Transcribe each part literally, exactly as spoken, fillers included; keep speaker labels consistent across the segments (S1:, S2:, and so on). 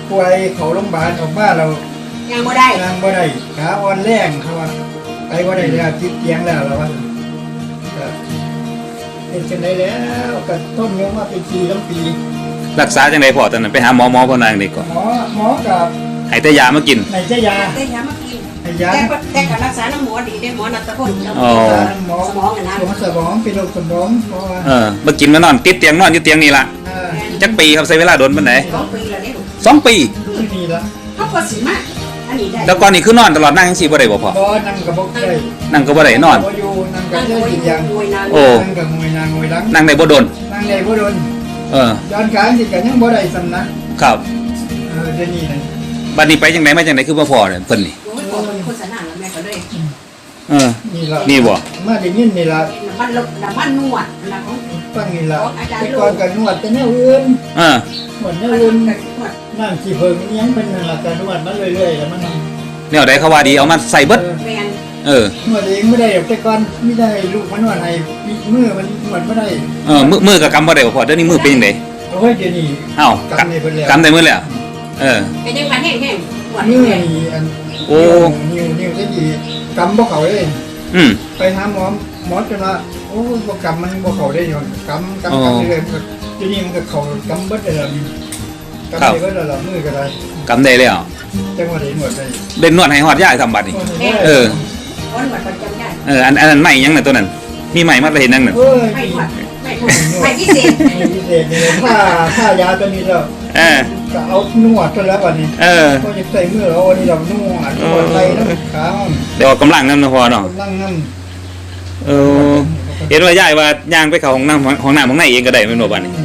S1: ป่วยเขาโรงพยาบาลออกมาเรา
S2: ยังบ่ได้
S1: ยังบ่ได้ขาอ่อนแรงเขาว่าไปบ่ได้แล้วติดเตียงแล้วเราว่าก็เป็นจังได๋แล้วก็ต้นยงมาเป็นปีทั้งปี
S3: รักษาจังได๋พ่อตอนนั้นไปหาหมอหมอพ่อนางนี่ก่อน
S1: หมอหมอกับ
S3: ให้แต่ยามากิน
S1: ให้แต่ยา
S2: แต่ยามากิน
S1: ให้ยา
S2: แต่แต่การรักษาน้ำหมอดีได้หมอนัตพล
S3: อ๋อ
S1: หมอสมองนะหมอสมองเป็นโรคสมองเพราะว่า
S3: เออมากินมานอนติดเตียงนอนอยู่เตียงนี่ล่ะจักปีครับใช้เวลาโดนปานใด
S2: สองปีแล้วนี่
S3: สองปี
S1: นี่ล่ะ
S2: เฮาก็สิมาอันนี้ได้
S3: แล้วก่อนนี่คือนอนตลอดนั่งจังซี่บ่ได้บ่พ่อ
S1: บ่นั่งก็บ่ได้
S3: นั่งก็บ่ได้นอน
S1: บ่อยู่นั่งก็ได้กินยา
S3: โอ้
S1: นั่งก็งวยนางงวยหลัง
S3: นั่งได้บ่โดน
S1: นั่งได้บ่โดน
S3: เออ
S1: ย้อนขาสิก็ยังบ่ได้ซ้ำนะครับเออเดี๋ยวนี้นะ
S3: บัดนี้ไปจังได๋มาจังได๋คือบ่พอเนี่ยเพิ่นนี่
S2: โอ้ยบ่เป็นคนสนานแล้วแม่ก็เลย
S3: เออ
S1: นี่ล่ะ
S3: นี่บ่
S1: มาได้ยินนี่ล่ะ
S2: น้ำมันน้ำมันนวดนะของ
S1: ฟังนี่ล่ะแต่ก่อนก็นวดแต่แนวอื่น
S3: เออ
S1: หมดแนวอื่นน้ำสิเพิ่งยังเป็นนั่นล่ะก็นวดมาเรื่อยๆแล้วมัน
S3: แนวใดเขาว่าดีเอามาใส่เบิด
S2: แม่น
S3: เออน
S1: วดเองไม่ได้แต่ก่อนไม่ได้ลูกมันนวดให้มือมันนวดบ่ได้
S3: เออมือมือก็กำบ่ได้บ่พอเดี๋ยวนี้มือเป็นจังได๋
S1: โอ้ยเดี๋ยวนี้
S3: อ้าวกำได้เพิ่นแล้วกำได้มื้อแล้วเออ
S2: เป็นจังหวะแห้งๆปวด
S1: มือนี่อันโอ้นิ้วนิ้วจะดีกำบ่เข้าเลย
S3: อืม
S1: ไปหาหมอหมอจนว่าโอ้บ่กำมันบ่เข้าได้ย้อนกำกำกำเรื่อยๆทีนี้มันก็เข้ากำเบิดได้แล้วกำได้เบิดแล้วมือก็ได้
S3: กำได้แล้ว
S1: จังว่าได้นวดได้
S3: เล่นนวดให้ฮอดยายทำบัดนี่เออ
S2: นวดประจำได้
S3: เอออันอันนั้นใหม่ยังน่ะตัวนั้นมีใหม่มาเห็นนั่งน่ะ
S2: ไม่นวดไม่นวดไม่พิเศษ
S1: ไม่พิเศษนี่ถ้าถ้ายาตัวนี้แล้ว
S3: เออ
S1: ก็เอานวดตัวแล้วบัดนี้
S3: เออ
S1: ก็จะใส่มือเอาอันนี้เรานวดนวดไหล่นวดขา
S3: เดี๋ยวกำลังนำนะพอเนาะ
S1: กำลังน
S3: ำเออเห็นว่ายายว่าย่างไปเข้าห้องน้ำห้องน้ำห้องไหนเองก็ได้แม่นบ่บัดนี้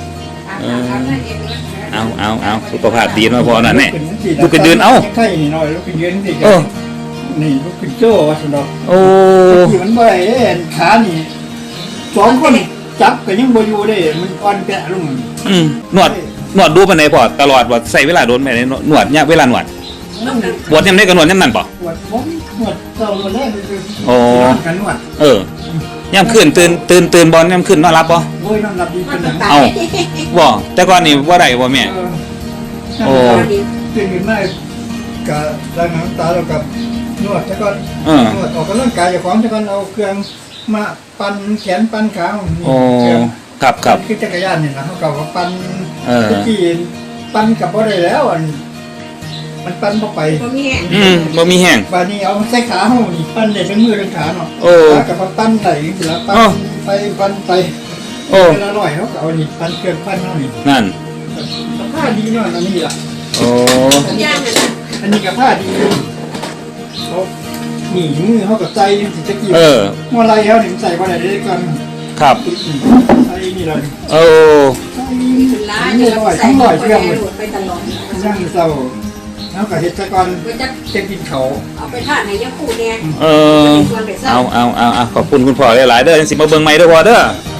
S3: เอาเอาเอาสุขภาพดีเนาะพอนั่นแน่ลูกขึ้นยืนเอ้า
S1: ใช่นี่หน่อยลูกขึ้นยืนสิเออนี่ลูกขึ้นโจ้ว่าซั่นดอก
S3: โอ้
S1: ที่มันบ่ได้ขานี่สองคนจับก็ยังบ่อยู่ได้มันอ่อนแกะลง
S3: อืมนวดนวดดูปานใดพอตลอดว่าใช้เวลาโดนแม่ได้นวดยะเวลานวดปวดยามใดก็นวดยามนั้นบ่
S1: ปวดผมนวดเจ้าแรกคือ
S3: โอ้
S1: กันนวด
S3: เออยามคืนตื่นตื่นตื่นบ่ยามคืนนอนหลับบ่
S1: โอ้ยนอนหลับดีเป็นหยัง
S3: เอ้าบ่แต่ก่อนนี่บ่ได้บ่แม่โอ้
S1: ตื่นขึ้นมาก็ล้างน้ำตาแล้วก็นวดแต่ก่อนนวดออกกำลังกายเจ้าของแต่ก่อนเอาเครื่องมาปั่นแขนปั่นขา
S3: โอ้ครับครับ
S1: คือจักรยานนี่นะเฮาก็ว่าปั่น
S3: เออ
S1: ที่ปั่นก็บ่ได้แล้วอันมันปั่นบ่ไป
S2: บ่มีแห้ง
S3: อืมบ่มีแห้ง
S1: บัดนี้เอาใส่ขาเฮานี่ปั่นได้ทั้งมือทั้งขาเนาะ
S3: โอ้
S1: ก็ปั่นได้สิล่ะปั่นไปปั่นไปโอ้เวลาร้อยเฮาก็เอานี่ปั่นเครื่องปั่นเฮานี่
S3: นั่น
S1: ผ้าดีเนาะอันนี้ล่ะ
S3: โอ้
S2: ย่างนั่นน่ะ
S1: อันนี้ก็ผ้าดีเขาหนีมือเขากับใจสิจะกี่เมื่อไรเขาถึงใส่ว่าไหนได้กัน
S3: ครับ
S1: ใส่นี่เลย
S3: โอ้
S1: ใส่ล้าเนี่ยใส่ลอยเครื่อง
S2: ไปตลอด
S1: ย่างเศร้าแล้วก็เห็ดตะกอนจะกินเขา
S2: เอาไปทานในยาคูเนี่ย
S3: เออเอาเอาเอาขอบคุณคุณพ่อหลายๆเด้อจังสิมาเบิ่งใหม่เด้อพ่อเด้อ